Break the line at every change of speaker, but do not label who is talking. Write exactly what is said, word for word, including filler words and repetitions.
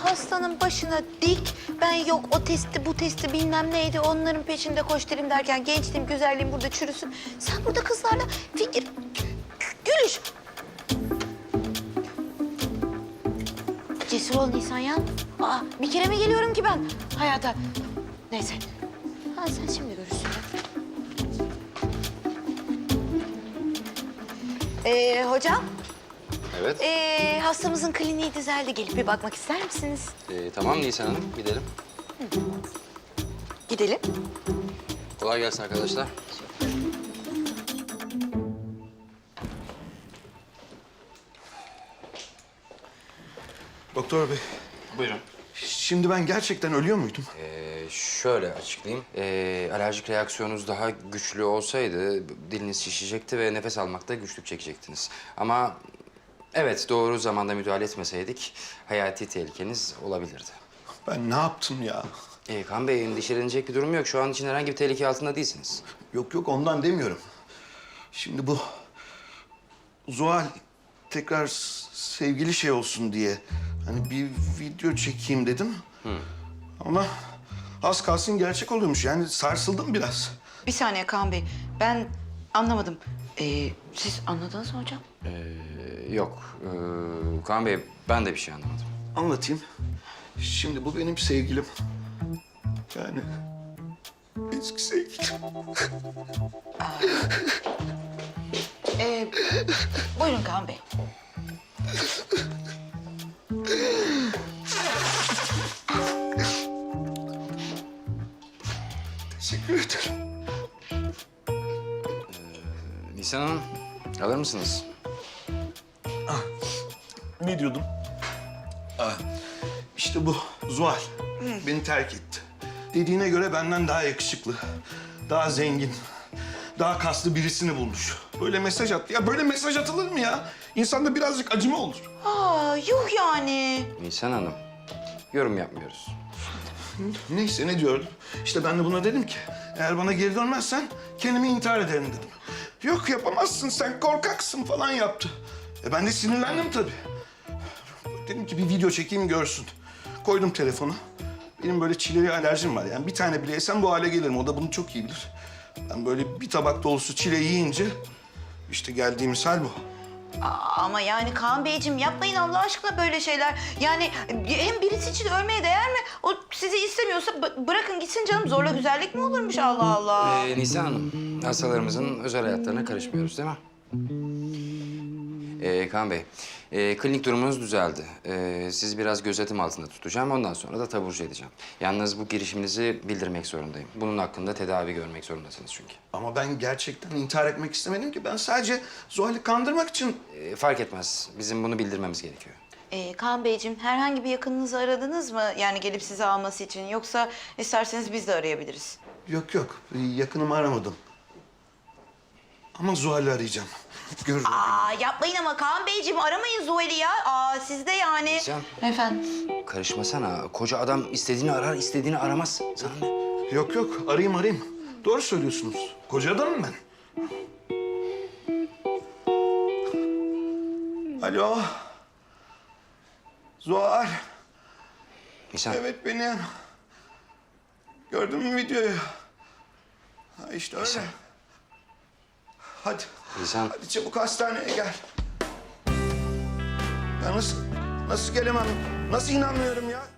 hastanın başına dik. Ben yok o testi bu testi bilmem neydi onların peşinde koşturayım derken gençliğim güzelliğim burada çürüsün. Sen burada kızlarla fikir gülüş. Cesur ol Nisan ya. Aa, bir kere mi geliyorum ki ben hayata? Neyse. Ha, sen şimdi görürsün. Ee, hocam.
Evet.
Ee, hastamızın kliniği düzeldi. Gelip bir bakmak ister misiniz?
Ee, tamam Nisan Hanım, gidelim.
Gidelim.
Kolay gelsin arkadaşlar.
Doktor bey,
Buyurun.
şimdi ben gerçekten ölüyor muydum?
Ee, şöyle açıklayayım. Ee, alerjik reaksiyonunuz daha güçlü olsaydı diliniz şişecekti ve nefes almakta güçlük çekecektiniz. Ama evet, doğru zamanda müdahale etmeseydik hayati tehlikeniz olabilirdi.
Ben ne yaptım ya?
Ee, Kaan Bey, endişelenecek bir durum yok. Şu an için herhangi bir tehlike altında değilsiniz.
Yok yok ondan demiyorum. Şimdi bu Zuhal tekrar s- sevgili şey olsun diye hani bir video çekeyim dedim. Ama az kalsın gerçek oluyormuş. Yani sarsıldım biraz.
Bir saniye Kaan Bey. Ben anlamadım. Ee, siz anladınız mı hocam?
Ee, yok. Ee, Kaan Bey, ben de bir şey anlamadım.
Anlatayım. Şimdi bu benim sevgilim. Yani eski sevgilim.
Ee, buyurun Kaan Bey.
Teşekkür ederim.
Nisan Hanım, alır mısınız?
Ne diyordum? Ah, işte bu Zuhal beni terk etti. Dediğine göre benden daha yakışıklı, daha zengin, daha kaslı birisini bulmuş. Böyle mesaj attı. Ya böyle mesaj atılır mı ya? İnsanda birazcık acıma olur.
Aa, yuh yani.
Nisan Hanım, yorum yapmıyoruz.
Neyse ne diyordum? İşte ben de buna dedim ki eğer bana geri dönmezsen kendimi intihar ederim dedim. Yok yapamazsın sen korkaksın falan yaptı. E ben de sinirlendim tabii. Dedim ki bir video çekeyim görsün. Koydum telefonu. Benim böyle çileye alerjim var. Yani bir tane bile yesem bu hale gelirim. O da bunu çok iyi bilir. Ben böyle bir tabak dolusu çile yiyince işte geldiğimiz hal bu.
Aa, ama yani Kaan Beyciğim yapmayın Allah aşkına böyle şeyler. Yani hem birisi için ölmeye değer mi? O sizi istemiyorsa bı- bırakın gitsin canım. Zorla güzellik mi olurmuş Allah Allah.
Ee, Nisan Hanım, hastalarımızın özel hayatlarına karışmıyoruz değil mi? Ee, Kaan Bey, e, klinik durumunuz düzeldi. Ee, sizi biraz gözetim altında tutacağım. Ondan sonra da taburcu edeceğim. Yalnız bu girişiminizi bildirmek zorundayım. Bunun hakkında tedavi görmek zorundasınız çünkü.
Ama ben gerçekten intihar etmek istemedim ki. Ben sadece Zuhal'i kandırmak için...
Ee, fark etmez. Bizim bunu bildirmemiz gerekiyor.
Ee, Kaan Beyciğim herhangi bir yakınınızı aradınız mı? Yani gelip sizi alması için. Yoksa isterseniz biz de arayabiliriz.
Yok yok, yakınımı aramadım. Ama Zuhal'i arayacağım. Görürüm.
Aa, yapmayın ama Kaan Beyciğim aramayın Zuhal'i ya. Aa, siz de yani.
Nisan,
Efendim?
karışmasana. Koca adam istediğini arar, istediğini aramaz. Sana ne?
Yok yok, arayayım arayayım. Doğru söylüyorsunuz. Koca adamım ben. Alo. Zuhal.
Nisan,
Evet benim. Gördün mü videoyu? Ha işte öyle.
Nisan.
Hadi.
Nisan.
Hadi çabuk hastaneye gel. Ya nasıl, nasıl gelemem? Nasıl inanmıyorum ya?